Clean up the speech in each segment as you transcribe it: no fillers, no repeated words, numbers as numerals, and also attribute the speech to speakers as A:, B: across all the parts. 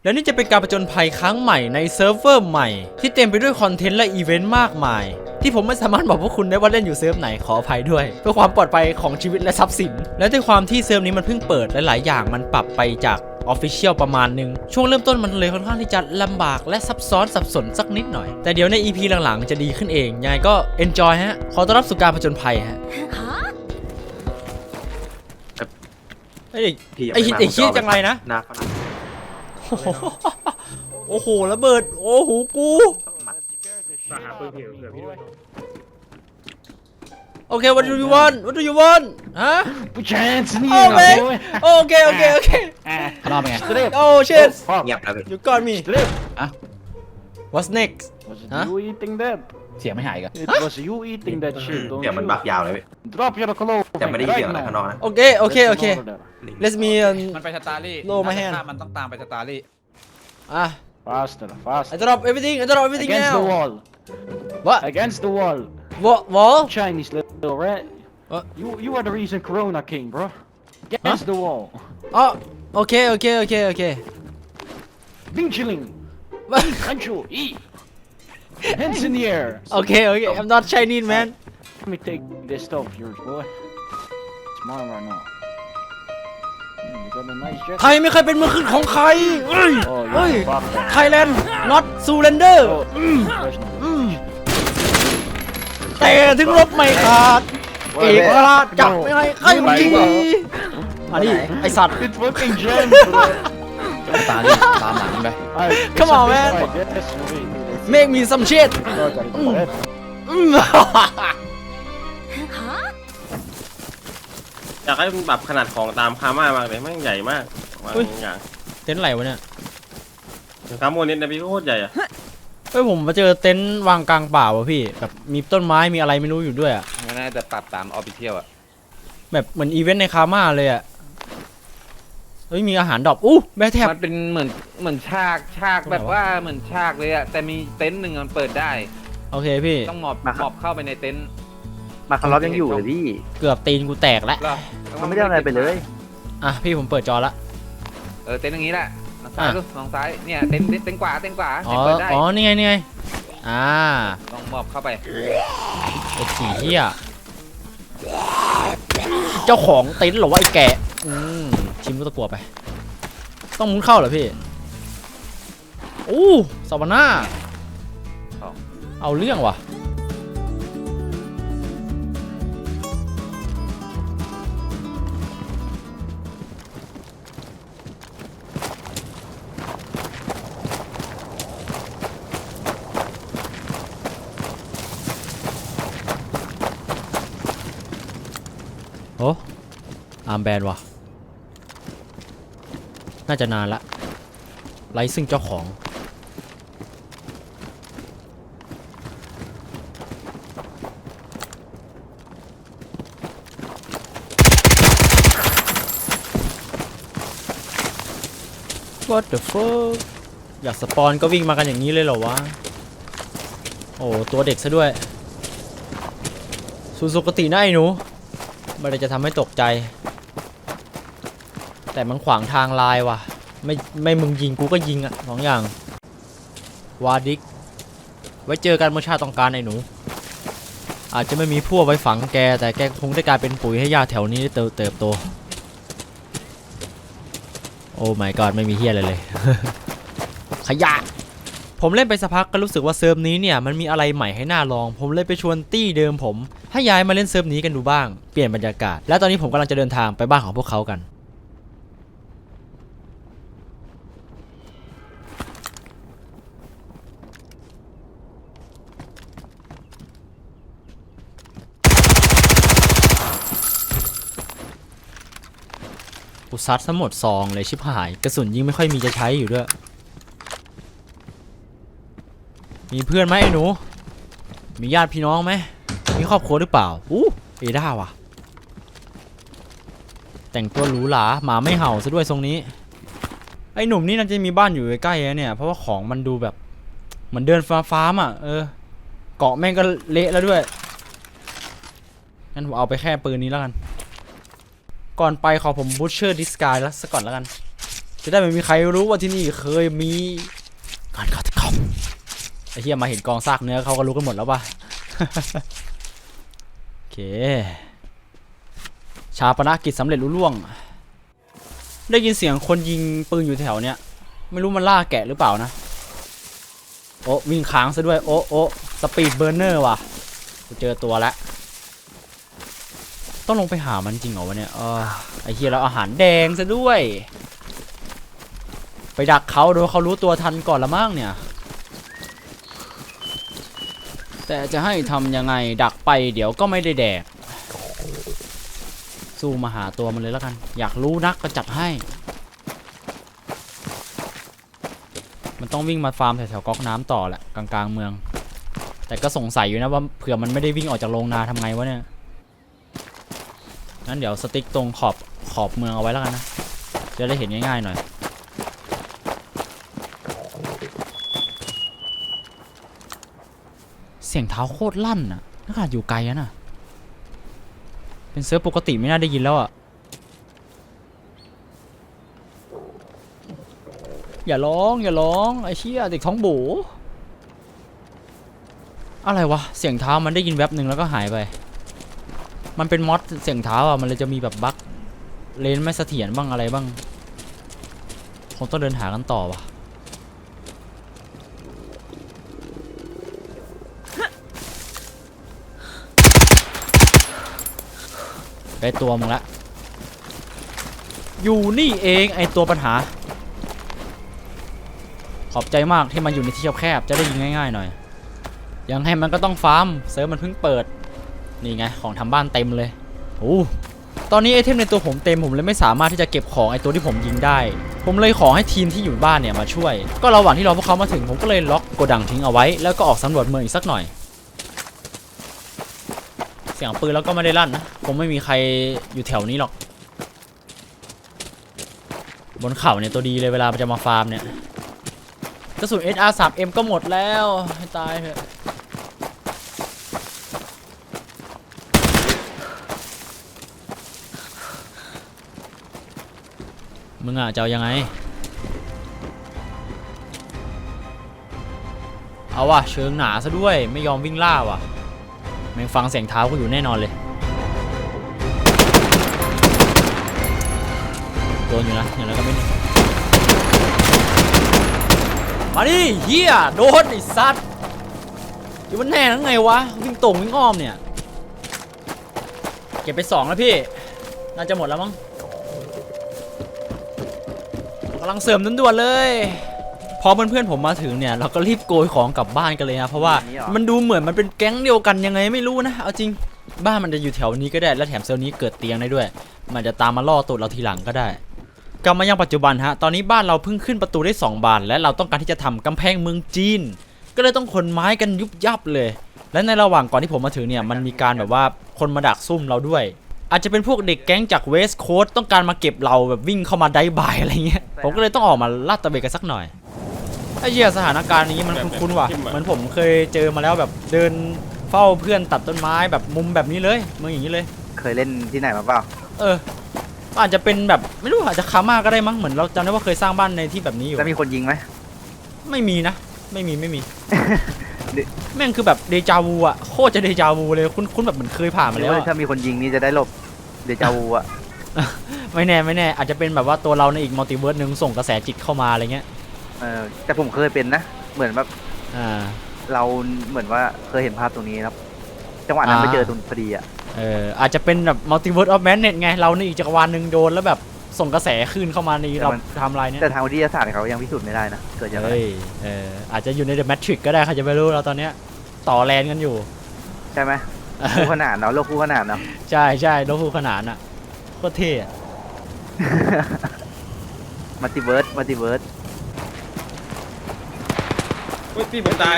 A: แล้วนี่จะเป็นการผจญภัยครั้งใหม่ในเซิร์ฟเวอร์ใหม่ที่เต็มไปด้วยคอนเทนต์และอีเวนต์มากมายที่ผมไม่สามารถบอกพวกคุณได้ว่าเล่นอยู่เซิร์ฟไหนขออภัยด้วยเพื่อความปลอดภัยของชีวิตและทรัพย์สินและด้วยความที่เซิร์ฟนี้มันเพิ่งเปิดและหลายอย่างมันปรับไปจากOfficial ประมาณนึงช่วงเริ่มต้นมันเลยค่อนข้างที่จะลำบากและซับซ้อนสับสนสักนิดหน่อยแต่เดี๋ยวใน EP หลังๆจะดีขึ้นเองยังไงก็ enjoy ฮะขอต้อนรับสู่การผจญภัยฮะไอ้คิดจังไรนะ
B: หน้าเขาหนัก
A: โอ้โหระเบิดโอ้โหกู
C: มาหาปืนเผื่อพี่ด้วย
A: โอเค what do you want ฮะ
D: Chance นี่
A: โอเคโอเค
D: รอบไง
A: โอ้ shit
B: เงียบแล้ว
A: you got me
D: อะ
A: what's next
E: Was it
A: Huh?
E: you eating that?
D: เสียงไม่หายกัน
E: It was you eating that shit, don't
B: เดี๋ยวมัน
E: you?
B: บักยาวเลย
E: Drop your clothes
B: แต่ไม่ได้ยินเสียงอะไร
E: right
B: ข้างนอก
E: now.
B: นะ
A: โอเค
E: Over there.
A: let me
D: มันไปสตาร์ลี่
A: โลมาแฮน
D: มันต้องตามไปสตาร์ลี่
E: Faster,
A: I
E: faster.
A: drop everything
E: Against the
A: now
E: wall.
A: what
E: Against the wall.
A: wall
E: Chinese little rat.
A: What?
E: You are the reason Corona came, bro. Against the wall.
A: อ๋อโอเค
E: Bing chilling. Hancho, eat. Hands in the air.
A: โอเค I'm not Chinese man
E: Let me take this stuff of yours, boy. It's mine right now. You got a nice jacket.
A: ไทยไม่เคยเป็นเมืองขึ้นของใครเฮ้ย
E: Oh,
A: เฮ้ย
E: you fuck that.
A: Thailand not surrender
E: Oh, there's no
A: แต่ถึงรบไม่ขาดเอกราชจับไม่ให้ใครมันดีอันนี้ไอสัตว์
E: It's fucking jam, bro.
D: สตาร์ลี่ตามหลังไป
E: Alright,
A: Come
E: it's
A: on,
E: a bit
A: man.
E: like this, wait.
A: make me some shit
E: Oh, got it. Go ahead.
C: อยากให้มันปรับขนาดของตามคาม่ามากเลยแม่งใหญ่มากบางอย่าง
A: เต็นท์ไหนวะเนี่ย
C: คาโมนิสนะพี่โคตรใหญ่อะ
A: เฮ้ยผมมาเจอเต็นท์วางกลางป่าวะพี่แบบมีต้นไม้มีอะไรไม่รู้อยู่ด้วยอะ
D: มันน่าจะปรับตามออฟฟิเชียลอะ
A: แบบเหมือนอีเวนต์ในคาม่าเลยอะเฮ้ยมีอาหารดรอปอู้แม่แทบ
D: มันเป็นเหมือนฉากแบบว่าเหมือนฉากเลยอะแต่มีเต็นท์หนึ่งมันเปิดได้
A: โอเคพี่
D: ต้องหมอบเข้าไปในเต็นท์
F: มาคาร์ลอฟยังอยู่เลยพี่
A: เกือบตีนกูแตกแล้ว
F: มันไม่ได้อะไรไปเลย
A: อ่ะพี่ผมเปิดจอละ
D: เต็นท์อย่างนี้แหละซ้ายดูมองซ้ายเนี่ยเต็นท์ขวา
A: อ๋อ
D: เปิดได้
A: นี่ไงอ่า
D: ลองหมอบเข้าไป
A: ไอ้ขี้เหี้ยเจ้าของเต็นท์เหรอวะไอ้แกะชิมลูกตะกั่วไป ต้องมุนเข้าเหรอพี่อู้ซาวาน่าเอาเรื่องว่ะโอ้อาร์มแบนว่ะน่าจะนานละไร้ซึ่งเจ้าของ What the fuck อยากสปอนก็วิ่งมากันอย่างนี้เลยเหรอวะโอ้ตัวเด็กซะด้วยสุขตินะไอ้หนูไม่ได้จะทำให้ตกใจแต่มันขวางทางลายว่ะไม่มึงยิงกูก็ยิงอ่ะสองอย่างวาดิกไว้เจอกันเมื่อชาติต้องการไอ้หนูอาจจะไม่มีพวกไว้ฝังแกแต่แกคงได้กลายเป็นปุ๋ยให้หญ้าแถวนี้ได้เติบโตโอ้ my god ไม่มีเฮียอะไรเลย ขยะผมเล่นไปสักพักก็รู้สึกว่าเซิร์ฟนี้เนี่ยมันมีอะไรใหม่ให้น่าลองผมเลยไปชวนตี้เดิมผมให้ย้ายมาเล่นเซิร์ฟนี้กันดูบ้างเปลี่ยนบรรยากาศและตอนนี้ผมกำลังจะเดินทางไปบ้านของพวกเขากันกูซัดซะหมดซองเลยชิบหายกระสุนยิงไม่ค่อยมีจะใช้อยู่ด้วยมีเพื่อนไหมไอ้หนูมีญาติพี่น้องไหมมีครอบครัวหรือเปล่าเอด้าว่ะแต่งตัวหรูหราหมาไม่เห่าซะด้วยทรงนี้ไอ้หนุ่มนี่น่าจะมีบ้านอยู่ใกล้ๆเนี่ยเพราะว่าของมันดูแบบเหมือนเดินฟาร์มอ่ะเกาะแม่งก็เละแล้วด้วยงั้นผมเอาไปแค่ปืนนี้แล้วกันก่อนไปขอผมบูชเชอร์ดิสกายแล้วสักก่อนแล้วกันจะได้ไม่มีใครรู้ว่าที่นี่เคยมีการฆาตกรรมไอ้เหี้ยมาเห็นกองซากเนื้อเขาก็รู้กันหมดแล้วป่ะ โอเคชาปนกิจสำเร็จลุล่วงได้ยินเสียงคนยิงปืนอยู่แถวเนี้ยไม่รู้มันล่าแกะหรือเปล่านะโอ้วิ่งค้างซะด้วยโอ้สปีดเบอร์เนอร์ว่ะกูเจอตัวแล้วต้องลงไปหามันจริงเหรอวะเนี่ยไอ้เหี้ยแล้วอาหารแดงซะด้วยไปดักเขาโดยเขารู้ตัวทันก่อนละมั้งเนี่ยแต่จะให้ทำยังไงดักไปเดี๋ยวก็ไม่ได้แดกสู้มาหาตัวมันเลยแล้วกันอยากรู้นักก็จัดให้มันต้องวิ่งมาฟาร์มแถวๆก๊อกน้ำต่อแหละกลางๆเมืองแต่ก็สงสัยอยู่นะว่าเผื่อมันไม่ได้วิ่งออกจากโรงนาทำไงวะเนี่ยงั้นเดี๋ยวสติ๊กตรงขอบเมืองเอาไว้แล้วกันนะจะได้เห็นง่ายๆหน่อยเสียงเท้าโคตรลั่นน่ะขนาดอยู่ไกลอะน่ะเป็นเซิร์ฟปกติไม่น่าได้ยินแล้วอ่ะอย่าร้องไอ้เชี่ยเด็กท้องโบอะไรวะเสียงเท้ามันได้ยินแวบหนึ่งแล้วก็หายไปมันเป็นมอดเสียงเท้าอ่ะมันเลยจะมีแบบบั๊กเลนไม่เสถียรบ้างอะไรบ้างคงต้องเดินหากันต่อว่ะได้ตัวมึงละอยู่นี่เองไอตัวปัญหาขอบใจมากที่มันอยู่ในที่แคบๆจะได้ยิงง่ายๆหน่อยยังให้มันก็ต้องฟาร์มเซิร์ฟมันเพิ่งเปิดนี่ไงของทำบ้านเต็มเลยโอ้ตอนนี้ไอเทมในตัวผมเต็มผมเลยไม่สามารถที่จะเก็บของไอตัวที่ผมยิงได้ผมเลยขอให้ทีมที่อยู่บ้านเนี่ยมาช่วยก็ระหว่างที่รอพวกเขามาถึงผมก็เลยล็อกโกดังทิ้งเอาไว้แล้วก็ออกสำรวจเมืองอีกสักหน่อยเสียงปืนแล้วก็ไม่ได้ลั่นนะคงไม่มีใครอยู่แถวนี้หรอกบนเขาเนี่ยตัวดีเลยเวลาจะมาฟาร์มเนี่ยกระสุน SR3M ก็หมดแล้วให้ตายเถอะมึงอ่ะจะเอายังไงเอาว่ะเชิงหนาซะด้วยไม่ยอมวิ่งล่าว่ะแม่งฟังเสียงเท้ากูอยู่แน่นอนเลยโดนอยู่นะอย่างไรก็ไม่มาดิเฮียโดนไอ้สัตว์อยู่มันแน่ทั้งไงวะวิ่งตรงวิ่งอ้อมเนี่ยเก็บไป2แล้วพี่น่าจะหมดแล้วมั้งกำลังเสริมด่วนๆเลยพอเพื่อนๆผมมาถึงเนี่ยเราก็รีบโกยของกลับบ้านกันเลยนะเพราะว่ามันดูเหมือนมันเป็นแก๊งเดียวกันยังไงไม่รู้นะเอาจริงบ้านมันจะอยู่แถวนี้ก็ได้และแถมเซลล์นี้เกิดเตียงได้ด้วยมันจะตามมาล่อตูดเราทีหลังก็ได้กลับมายังปัจจุบันฮะตอนนี้บ้านเราเพิ่งขึ้นประตูได้2 บานและเราต้องการที่จะทำกำแพงเมืองจีนก็เลยต้องขนไม้กันยุบยับเลยและในระหว่างก่อนที่ผมมาถึงเนี่ยมันมีการแบบว่าคนมาดักซุ่มเราด้วยอาจจะเป็นพวกเด็กแก๊งจากเวสต์โคสต์ต้องการมาเก็บเราแบบวิ่งเข้ามาได้บายอะไรเงี้ยผมก็เลยต้องออกมาลาดตระเวนกันสักหน่อยไอ้เหี้ยสถานการณ์นี้มันคุ้นๆว่ะเหมือนผมเคยเจอมาแล้วแบบเดินเฝ้าเพื่อนตัดต้นไม้แบบมุมแบบนี้เลยเมืองอย่างนี้เลย
F: เคยเล่นที่ไหนมาเปล่า
A: อาจจะเป็นแบบไม่รู้อาจจะคาม่าก็ได้มั้งเหมือนเราจำได้ว่าเคยสร้างบ้านในที่แบบนี้อยู่
F: แล้วมีคนยิงไหม
A: ไม่มีนะไม่มี แม่งคือแบบเดจาวูอะโคตรจะเดจาวูเลยคุ้นแบบเหมือนเคยผ่านมา
F: หรื
A: แล้
F: อ
A: ว
F: ว่าถ้ามีคนยิงนี่จะได้หลบเดจาวูอะ
A: ไม่แน่อาจจะเป็นแบบว่าตัวเราในอีกมัลติเวิร์สนึงส่งกระแสจิตเข้ามาอะไรเงี้ย
F: แต่ผมเคยเป็นนะเหมือนแบบ เราเหมือนว่าเคยเห็นภาพตรงนี้ครับจังหวะนั้นไปเจอตรงพอดีอะ
A: อาจจะเป็นแบบมัลติเวิร์สออฟแมนเน็ตไงเราในอีกจักรวาลนึงโดนแล้วแบบส่งกระแสคลื่นเข้ามาในเราทำลายเนี้ย
F: แต่ทางวิทยาศาสตร์เขายังพิสูจน์ไม่ได้นะเกิดจากอะไร
A: อาจจะอยู่ในเดอะแมทริกก็ได้ใครจะไม่รู้เราตอนเนี้ยต่อแลนกันอยู่
F: ใช่ไหมคู่ขนานเนาะโลกคู่ขนานเนาะ
A: ใช่โลกคู่ขนานอะโคตรเท่อะ
F: มัลติเวิร์ส
C: เฮ้ยพี่ผมตาย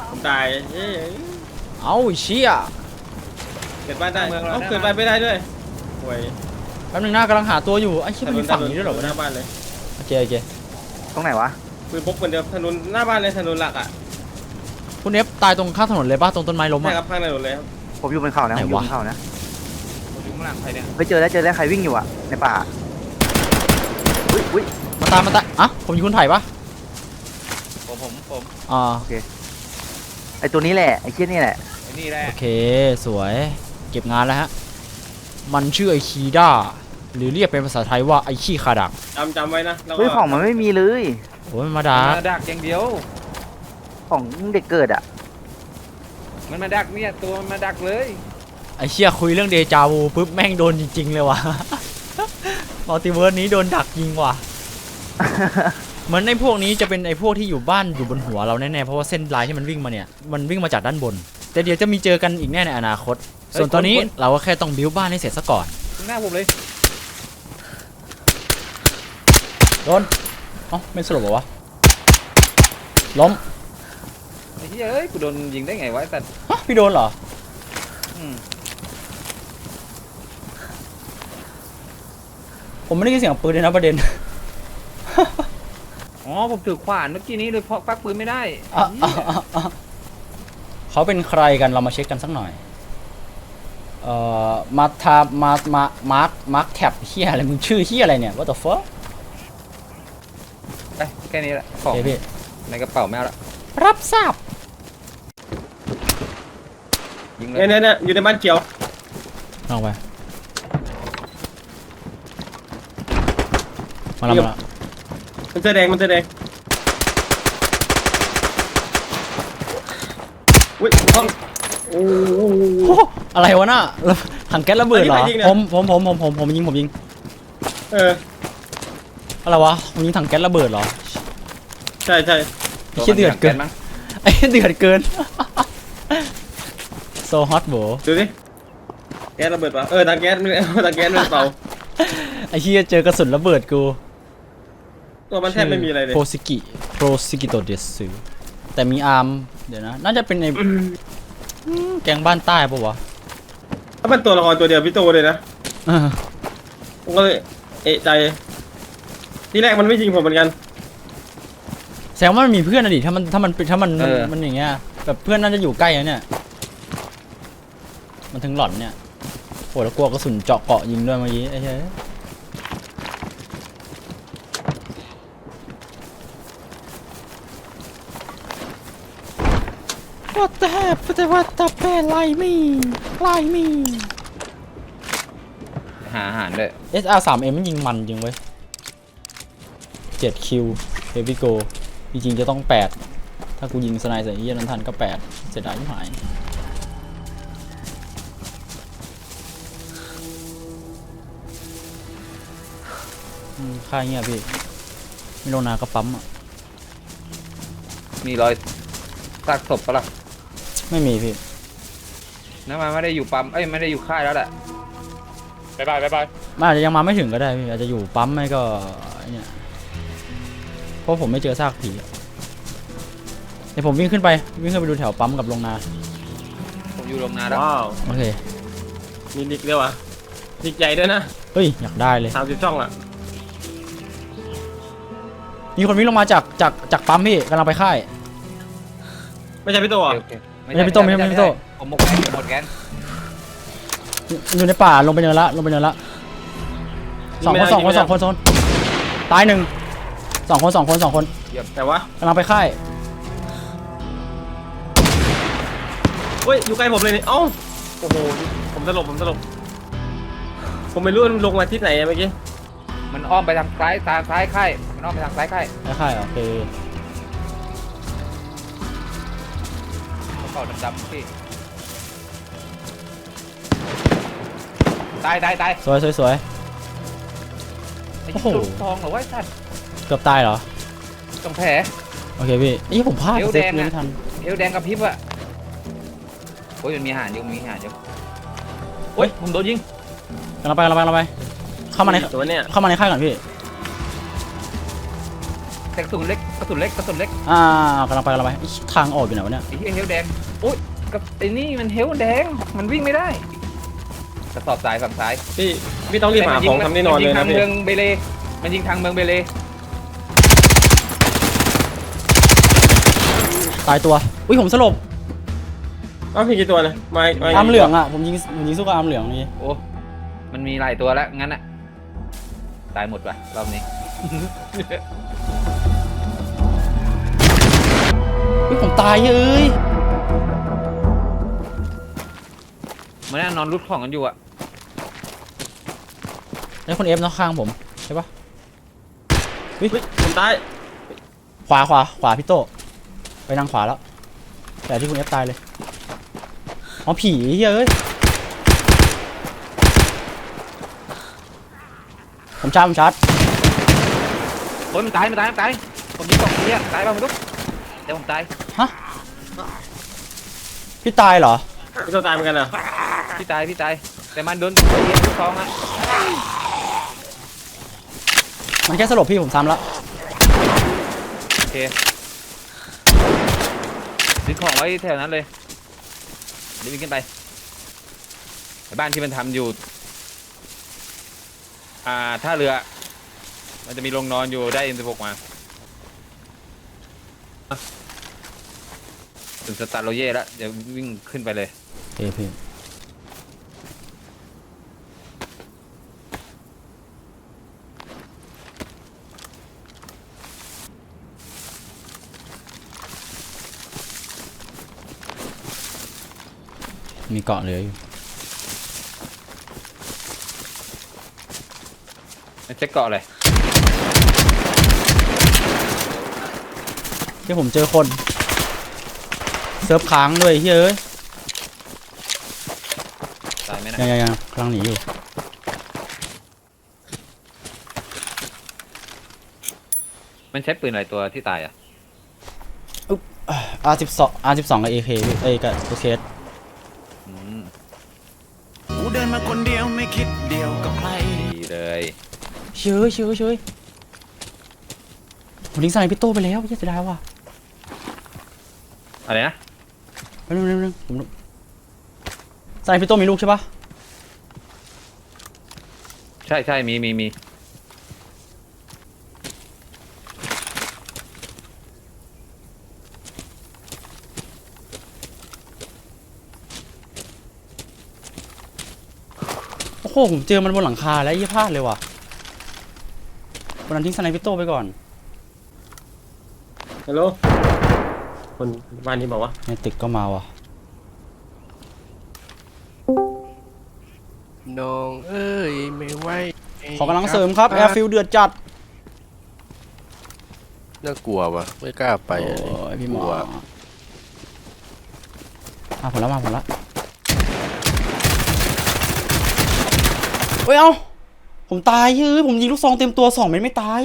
A: เอาเชี่ย
C: เกิดบ้านได้เกิดบ้านไม่ได้ด้วยโว้ย
A: แป๊บนึงหน้ากำลังหาตัวอยู่ไอ้เชี่ยมันมีฝั่งนี้ด้วยเหรอวะ
C: หน้าบ้านเลย
A: โอเค
F: ตรงไหนวะ
C: ปืนพกเหมือนเดิมถนนหน้าบ้านเลยถนนหลักอ่ะ
A: คุณเอฟตายตรงข้างถนนเลยป่ะตรงต้นไม้ล้มอ่ะ
C: ใช่ครับข้างถนนเลยครับ
F: ผมอยู่บนเขานะผมอยู่บนเขานะ
D: อยู่ข้างหลังใครเนี่ย
F: ไปเจอแล้วใครวิ่งอยู่อะในป่าอุ้ย
A: มาตายอ่ะผมอยู่คุณไผ่ปะ
D: ผม
A: อ่า
F: ไอตัวนี้แหละไอเชี่ยนี่แหละ
D: ไอ้นี่แหละ
A: โอเคสวยเก็บงานแล้วฮะมันชื่อไอคีด้าหรือเรียกเป็นภาษาไทยว่าไอขี้คาดัก
C: จำไว้นะแล้วก็
F: เฮ้ยของมันไม่มีเลย
A: โอ้ยมาดา
D: มาดักอย่างเดียว
F: ของเด็กเกิดอ่ะ
D: มันมาดักเนี่ยตัวมันมาดักเลย
A: ไอเชี่ยคุยเรื่องเดจาวูปุ๊บแม่งโดนจริงๆเลยว่ะ มัลติเวิร์สนี้โดนดักยิงว่ะ เหมือนในพวกนี้จะเป็นไอพวกที่อยู่บ้านอยู่บนหัวเราแน่ๆเพราะว่าเส้นลายที่มันวิ่งมาเนี่ยมันวิ่งมาจากด้านบน แต่เดี๋ยวจะมีเจอกันอีกแน่ในอนาคต ส่วนตอนนี้เราก็แค่ต้องบิ้วบ้านให้เสร็จซะก่อน
D: หน้าผมเลย
A: โดนอ๋อไม่สลบเหรอวะล้ม
D: ไอ้เหี้ยเอ้ยกูโดนยิงได้ไงวะแต่
A: ฮะพี่โดนเหรอ
D: อืม
A: ผมไม่ได้ยินเสียงปืนเลยนะประเด็น
D: อ๋อผมถือขวานเมื่อกี้นี้เลยเพราะปักปืนไม่ได้
A: อ่ะอ่ะอ่ะอ่ะเขาเป็นใครกันเรามาเช็คกันสักหน่อยมาทามาร์คแท็บเฮียอะไรมึงชื่อเฮียอะไรเนี่ย what the fuck
D: ไปแค่นี้แหละขอ
A: โอง เคพี่
D: ในกระเป๋าแมวละ
A: รับทราบ
D: ยิงเลย
C: เนี่ยอยู่ในบ้านเขียว
A: ลองไปมาแล้ว
C: มันเสื้อแดงอุ้ยห้องโอ้โห
A: โอ้อะไรวะน่ะถังแก๊สระเบิดเหรอ
C: อันนี้ใครยิงเนี่ย
A: ผมยิง
C: เออ
A: อะไรวะผมยิงถังแก๊สระเบิดเหรอ
C: ใช่
A: ไอ้เหี้ยเดือดเกิน
D: มั้ง
A: ไอ้เหี้ยเดือดเกิน so hot โบ
C: ดูดิแก๊สระเบิดเปล่าทางแก๊สไม่ทางแก๊สไม่เปล่า
A: ไอ้เหี้ยเจอกระสุนระเบิดกู
C: ตัวมันแทบไม่มีอะไรเลย
A: โปรซิกิโตเดสึแต่มีอาร์มเดี๋ยวนะน่าจะเป็นในแกงบ้านใต้ปะวะ
C: ถ้าเป็นตัวละครตัวเดียวพี่โตเลยนะ
A: เออ
C: ผมก็เลยเอะใจที่แรกมันไม่ยิงผมเหมือนกัน
A: แสดงว่ามันมีเพื่อนอะดิถ้ามันอย่างเงี้ยแบบเพื่อนน่าจะอยู่ใกล้นะเนี่ยมันถึงหล่อนเนี่ยโหแล้วกลัวกระสุนเจาะเกาะยิงด้วยเมื่อกี้ไอ้เหี้ย What the heck What the hell Lie me Lie me
D: หาอาหารด้วย
A: SR3M มันยิงมันจริงเว้ย7คิว Heavy Go จริงๆจะต้อง8ถ้ากูยิงสไนใส่เหี้ยนั้นทันก็8เสียดายที่หายค่าเงี้ยพี่ไม่ลงนาก็ปั๊มอ่ะ
D: มีรอยซากศพปะล่ะ
A: ไม่มีพี่
D: น้ำมันไม่ได้อยู่ปั๊มเอ้ยไม่ได้อยู่ค่ายแล้วแหละบายบาย
A: มันอาจจะยังมาไม่ถึงก็ได้พี่อาจจะอยู่ปั๊มไม่ก็ไอ้เนี่ยเพราะผมไม่เจอซากผีอะเดี๋ยวผมวิ่งขึ้นไปดูแถวปั๊มกับโรงนา
D: ผมอยู่โรงนาแล้ว
C: ว้าว
A: โอเค
C: มีดิกด้วยวะดิกใหญ่ด้วยนะ
A: เฮ้ยอยากได้เลย
C: 30 ช่องอ่ะ
A: มีคนวิ่งลงมาจากปั๊มพี่กำลังไปค่าย
C: ไม่ใช่พี่โตอ่ะ
D: โอเค
A: ไม่ใช่พี่โต้ไม่ใช่พี่โต้
D: ผมหมดแกน
A: อยู่ในป่าลงไปเนินละสองคนโซนตายหนึ่งสองคน
C: แต่ว่าก
A: ำลังไปค่าย
C: เฮ้ยอยู่ใกล้ผมเลยนี่เอ้าโอ้โหผมตลบผมไม่รู้มันลงมาที่ไหนอะเมื่อกี้
D: มันอ้อมไปทางซ้ายค่ายมันอ้อมไปทางซ้ายค่าย
A: ไปค่ายโอเค
D: กระเป๋าดำๆพี่ตาย
A: สวย
D: ไอ้
A: โอ้โห
D: ลูกทองเหรอวะไอ้สัตว์
A: เกือบตายเหรอ
D: ตรงแผล
A: โอเคพี่นี่ผมพลาด
D: เอว
A: เซ
D: แด
A: ฟ
D: งอะ
A: ไม่ทัน
D: เอวแดงกับพริบอะโอ้ยมันมีอาหารอยู่โอ้ยผมโดนยิง
A: กำลังไปเข้ามาใน
C: ตัวเนี้ย
A: ค่ายก่อนพี่
D: แต่กระสุนเล็ก
A: กำลังไปอีทางออกอยู่ไหนวะเนี่ย
D: ไอ้เหี้ยเฮลแดงโอ้ยกับไอ้นี่มันเฮลแดงมันวิ่งไม่ได้กระสอบทรายฝั่งซ้าย
C: พี่ต้องรีบหาของทำแน่นอนเลยนะ
D: มัน
C: พี่
D: ยิงทางเมืองเบเลมันยิงทางเมืองเบเล
A: ตายตัวอุ้ยผมสลบ
C: อ้าวพี่กี่ตัวนะมา
A: อาร์มเหลืองอ่ะผมยิงสู้กับอาร์มเหลืองนี่
D: โอ้มันมีหลายตัวแล้วงั้นอะตายหมดว่ะรอบนี้
A: เฮ้ยผมตายเอ้ย
D: มันน่านอนรุดของกันอยู่อะ
A: นี่คนเอฟเนาะข้างผมใช่ปะ
C: เฮ้ยผมตาย
A: ขวาพี่โตไปทางขวาแล้ว แต่ที่คุณเอฟตายเลยอ๋อผีเฮ้ยผมชาร์จ
D: โอ้ยมันตายผมยิงสองทีอะตายป่ะไม่รู้แต่ผมตาย
A: ฮะพี่ตายเหรอ
C: พี่โตตายเหมือนกันเหรอ
D: พี่ตายแต่มันโดนตัวเองทุกท้องอะ
A: มันแค่สลบพี่ผมซ้ำแล้ว
D: โอเคซื้อของไว้แถวนั้นเลยเดี๋ยววิ่งขึ้นไปบ้านที่มันทำอยู่ท่าเรือมันจะมีโรงนอนอยู่ได้ M16 มาถึงสตาร์โรเย่แล้วเดี๋ยววิ่งขึ้นไปเลย
A: เอ้พี่มีเกาะเหลืออยู่
D: เช็คเกาะเลย
A: ที่ผมเจอคนเซิร์ฟค้างด้วยเฮ้ย
D: ตายไหมนะ
A: ยังกำลังหนีอยู่
D: มันใช้ปืนอะไรตัวที่ตายอ่ะ
A: R12 กับ AK พี่เอ้ยกับ AK
B: กูเดินมาคนเดียวไม่คิดเดียวกับใคร
D: ดีเลย
A: เชยผมทิ้งสไนพี่โต้ไปแล้วเสียดายว่ะ
D: อะไรนะ
A: แป๊บนึงผมสไนพี่โต้มีลูกใช่ปะ
D: ใช่มี
A: โอ้โหผมเจอมันบนหลังคาแล้วยี่พลาดเลยว่ะวันนั้นทิ้งสไนพี่โต้ไปก่อน
C: ฮัลโหลคนบ้านนี้บอกว่า
A: ในตึกก็มาว่ะ
G: น้องเอ้ยไม่ไหว
A: ขอกำลังเสริมครับแอร์ฟิลเดือดจัด
G: น่ากลัววะไม่กล้าไป
A: โอ้
G: อะดิ
A: ยพี่หม
G: ก
A: อ
G: ลัว
A: มาผมแล้วเฮ้ยเอ้าผมตายผมยิงลูกซองเต็มตัว2 เม็ดไม่ตาย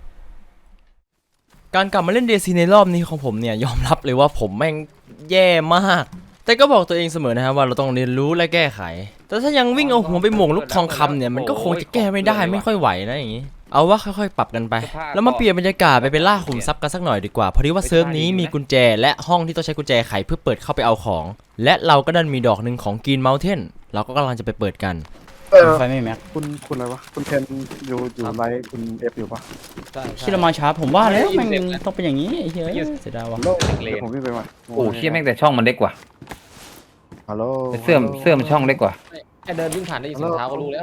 A: การกลับมาเล่นเดซีในรอบนี้ของผมเนี่ยยอมรับเลยว่าผมแม่งแย่มาก แต่ก็บอกตัวเองเสมอนะครับว่าเราต้องเรียนรู้และแก้ไข แต่ถ้ายังวิ่งเอาหัวไปหม่งลูกทองคำเนี่ยมันก็คงจะแก้ไม่ได้ไม่ค่อยไหวนะอย่างนี้ เอาว่าค่อยๆปรับกันไป แล้วมาเปลี่ยนบรรยากาศไปเป็นล่าขุมทรัพย์กันสักหน่อยดีกว่าเพราะที่ว่าเซิร์ฟนี้มีกุญแจและห้องที่ต้องใช้กุญแจไขเพื่อเปิดเข้าไปเอาของ และเราก็ดันมีดอกหนึ่งของกรีนเมลเทนเราก็กำลังจะไปเปิดกันไฟไม่แม็ก
H: คุณอะไรวะ คุณเทนอยู่ไลฟ์คุณเอฟอยู่ปะ
A: ที่เรามาช้าผมว่าแล้วมันต้องเป็นอย่างนี้ไอ้เหี้ยเสียดายว่ะ
H: ฮัลโหลเดี๋ยวผมวิ่งไปใหม่
D: โอ้เชี่ยแม่งแต่ช่องมันเล็กกว่า
H: ฮัลโหล
D: แต่เสื้อมันช่องเล็กกว่า
C: แค่เดินวิ่งผ่านได้ยินเสียงเท้าก็รู้แล้ว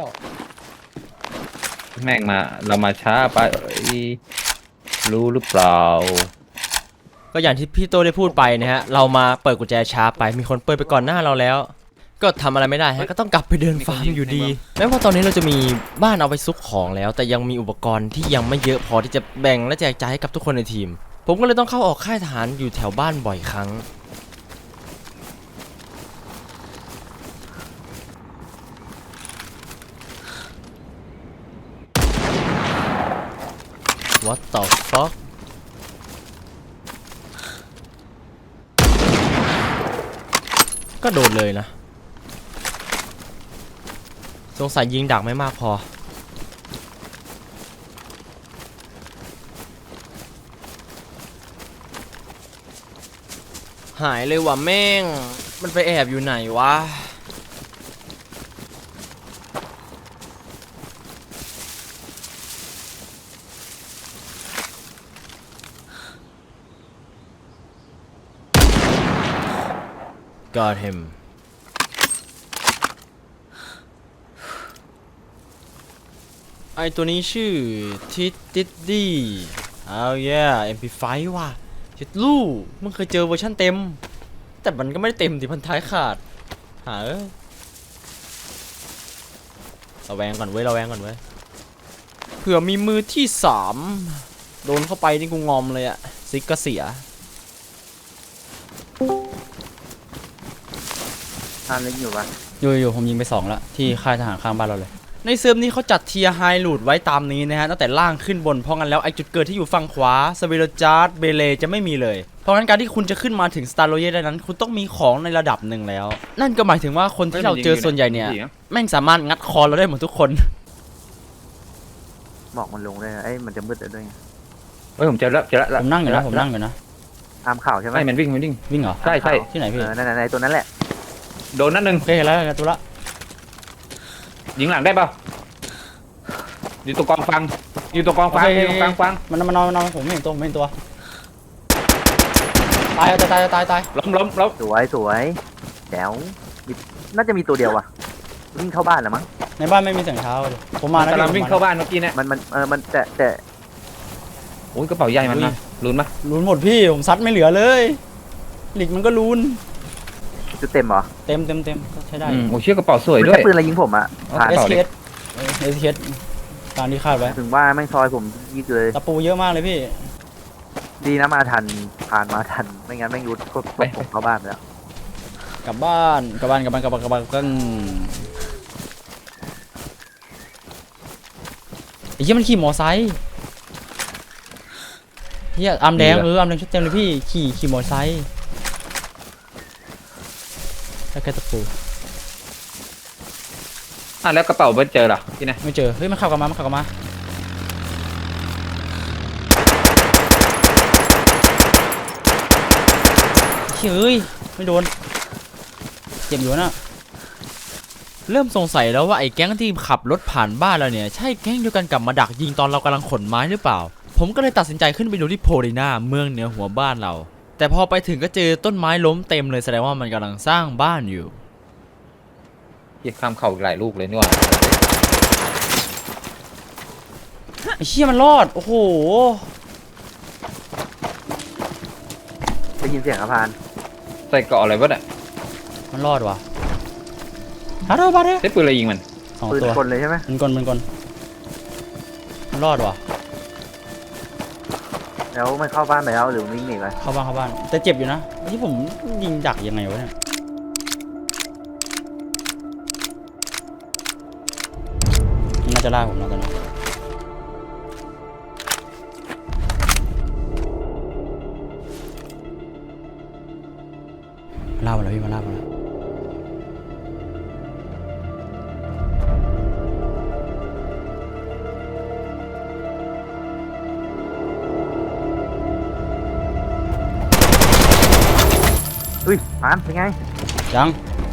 D: แม่งมาเรามาช้าไปรู้หรือเปล่า
A: ก็อย่างที่พี่โตได้พูดไปนะฮะเรามาเปิดกุญแจช้าไปมีคนเปิดไปก่อนหน้าเราแล้ว ก็ทำอะไรไม่ได้ฮะก็ต้องกลับไปเดินฟาร์มอยู่ดีแม้ว่าตอนนี้เราจะมีบ้านเอาไปซุกของแล้ว แต่ยังมีอุปกรณ์ที่ยังไม่เยอะพอที่จะแบ่งและแจกจ่ายให้กับทุกคนในทีม ผมก็เลยต้องเข้าออกค่ายทหารอยู่แถวบ้านบ่อยครั้ง What the fuck ก็โดนเลยนะสงสัยยิงดักไม่มากพอหายเลยว่ะแม่งมันไปแอบอยู่ไหนวะGot him ผไอตัวนี้ชื่อทิดดิดดี้เอาแย่ MP5 ว่ะชิดลู่มึงเคยเจอเวอร์ชันเต็มแต่มันก็ไม่ได้เต็มดิพันท้ายขาดหาระแวงก่อนเว้ยระแวงก่อนเว้ยเผื่อมีมือที่3โดนเข้าไปนี่กูงอมเลยอะซิกก็เสีย
F: ท่านเล็กอยู่ปะ
A: อยู่ผมยิงไป2แล้วที่ค่ายทหารข้างบ้านเราเลยในเซิร์ฟนี้เขาจัดเทียร์ไฮลูดไว้ตามนี้นะฮะตั้งแต่ล่างขึ้นบนเพราะงั้นแล้วไอจุดเกิดที่อยู่ฝั่งขวาสเวโรจาร์ดเบเลจะไม่มีเลยเพราะงั้นการที่คุณจะขึ้นมาถึงสตาร์โรเยได้นั้นคุณต้องมีของในระดับหนึ่งแล้วนั่นก็หมายถึงว่าคนที่เราเจอส่วนใหญ่เนี่ยแม่งสามารถงัดคอเราได้หมดทุกคน
F: หมอกมันลงเลยเอ้ยมันจะมืดด้วยไง
D: เฮ้ยผมเจอแล้ว
A: ผมนั่งอยู่นะผมนั่งอยู่นะ
F: ตามข่าวใช่ไหม
D: ไม่มันวิ่ง
A: วิ่งเหรอ
D: ใช่
A: ที่ไหนพี่
F: นั่นตัวนั้นแหละ
D: โดนนัดหนึ่ง
A: โอเคเห็นแล้วตัวละ
D: ยิงหลังได้เปล่าอยู่ตรงกองฟังอยู่ตรงกองฟังอยู่ตรงกองฟัง
A: มันนอนผมไม่เห็นตัวผมไม่เห็นตัวตาย
D: ล้ม
F: สวยแจ๋วน่าจะมีตัวเดียวว่ะวิ่งเข้าบ้านแล้วมั้ง
A: ในบ้านไม่มีเสียงเท้าเลยผมมานะ
D: กำลังวิ่งเข้าบ้านเมื่อกี้เนี่ย
F: มันแต่
D: โอ้ยกระเป๋าใหญ่มันนะลุ้นปะ
A: ลุ้นหมดพี่ผมซัดไม่เหลือเลยหลีกมันก็ลุ้น
F: จุดเต็มเหรอ
A: เต็มก็ใช้ได้
D: โอ้เชี่ยกระเป๋าสวย
F: ไม่
D: ด้วย
F: ใช่ปืนอะไรยิงผมอ่ะผ่าน
A: SKS ตามที่คาดไว้
F: ถึงว่าแม่งซอยผมยิงเลย
A: ตะปูเยอะมากเลยพี่
F: ดีนะมาทันผ่านมาทันไม่งั้นแม่งยุดก็ผมเข้าบ้านไปแล้ว
A: กลับบ้านก็ไอ้เหี้ยมันขี่มอไซค์เหี้ยอาร์มแดงอาร์มแดงชุดเต็มเลยพี่ขี่มอไซค์แล้วแค่ตะปู
D: แล้วกระเป๋าไม่เจอหรอที่ไหน
A: ไม่เจอเฮ้ยมันขับกลับมาเฮ้ยไม่โดนเจ็บอยู่นะเริ่มสงสัยแล้วว่าไอ้แก๊งที่ขับรถผ่านบ้านเราเนี่ยใช่แก๊งเดียวกันกับมาดักยิงตอนเรากำลังขนไม้หรือเปล่าผมก็เลยตัดสินใจขึ้นไปดูที่โพลีนาเมืองเหนือหัวบ้านเราแต่พอไปถึงก็เจอต้นไม้ล้มเต็มเลยแสดงว่ามันกำลังสร้างบ้านอยู่
D: เฮียข้ามเข่าอีกหลายลูกเลยนี่หว่า
A: ไอ้เชี่ยมันรอดโอ้โห
F: ได้ยินเสียงอะพาน
D: ใส่เกาะอะไรวะเนี่ย
A: มันรอดว่ะฮัลโหลบาร์เด
D: ใช้ปืนอะไรยิงมัน
A: 2
F: ปืน
A: ตัว
F: คนเลยใช่ไหม
A: มันกลมันรอดว่ะ
F: แล้วมันเข้าบ้านไปแล้วหรือวิ่งหนีไป
A: เข้าบ้านแต่เจ็บอยู่นะที่ผมยิงดักยังไงวะเนี่ยมันน่าจะล่าผมแล้วตอนนี้ล่ามาแล้วพี่มาล่ามาแล้ว
F: อุ้ยพานเป็นไง
A: ยัง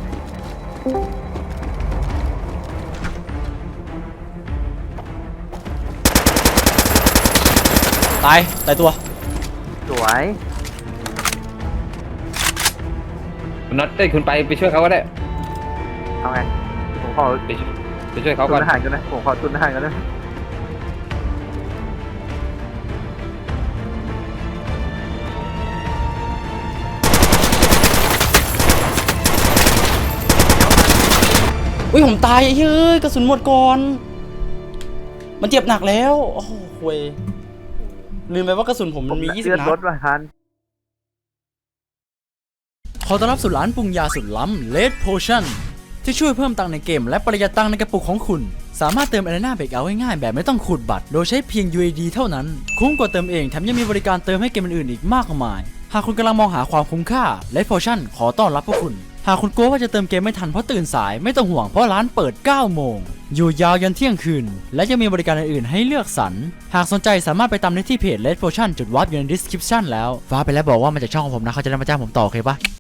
A: ตายตัว
F: สวย
D: คุณน็อตคุณไปช่วยเขาก็ได้
F: เอาไงผมขอ
D: ไปช่วยเขา
F: ตุ
D: ก่อน
F: นอาหารกันนะผมขอตุนอาหารกันนะ
A: อุ้ยผมตายไอ้เฮ้ยกระสุนหมดก่อนมันเจ็บหนักแล้วโอ้โหเว้ยลืมไปว่ากระสุนผมมันมี20
F: เลือด
A: นั
F: ร
A: ด
F: ถว่ะพาน
A: ขอต้อนรับสู่ร้านปรุงยาสุดล้ำ Red Potion ที่ช่วยเพิ่มตังค์ในเกมและประหยัดตังค์ในกระปุกของคุณสามารถเติม Arena Breakout ง่ายๆแบบไม่ต้องขูดบัตรโดยใช้เพียง UAD เท่านั้นคุ้มกว่าเติมเองแถมยังมีบริการเติมให้เกมอื่นๆอีกมากมายหากคุณกำลังมองหาความคุ้มค่า Red Potion ขอต้อนรับพวกคุณหากคุณกลัวว่าจะเติมเกมไม่ทันเพราะตื่นสายไม่ต้องห่วงเพราะร้านเปิด 9 โมงอยู่ยาวยันเที่ยงคืนและยังมีบริการอื่นๆให้เลือกสรรหากสนใจสามารถไปตามได้ที่เพจ Red Potion จุดวาร์ปอยู่ใน description แล้วฟ้าไปแล้วบอกว่ามาจากช่องของผมนะเขาจะได้มาจ้างผมต่อโอเคปะ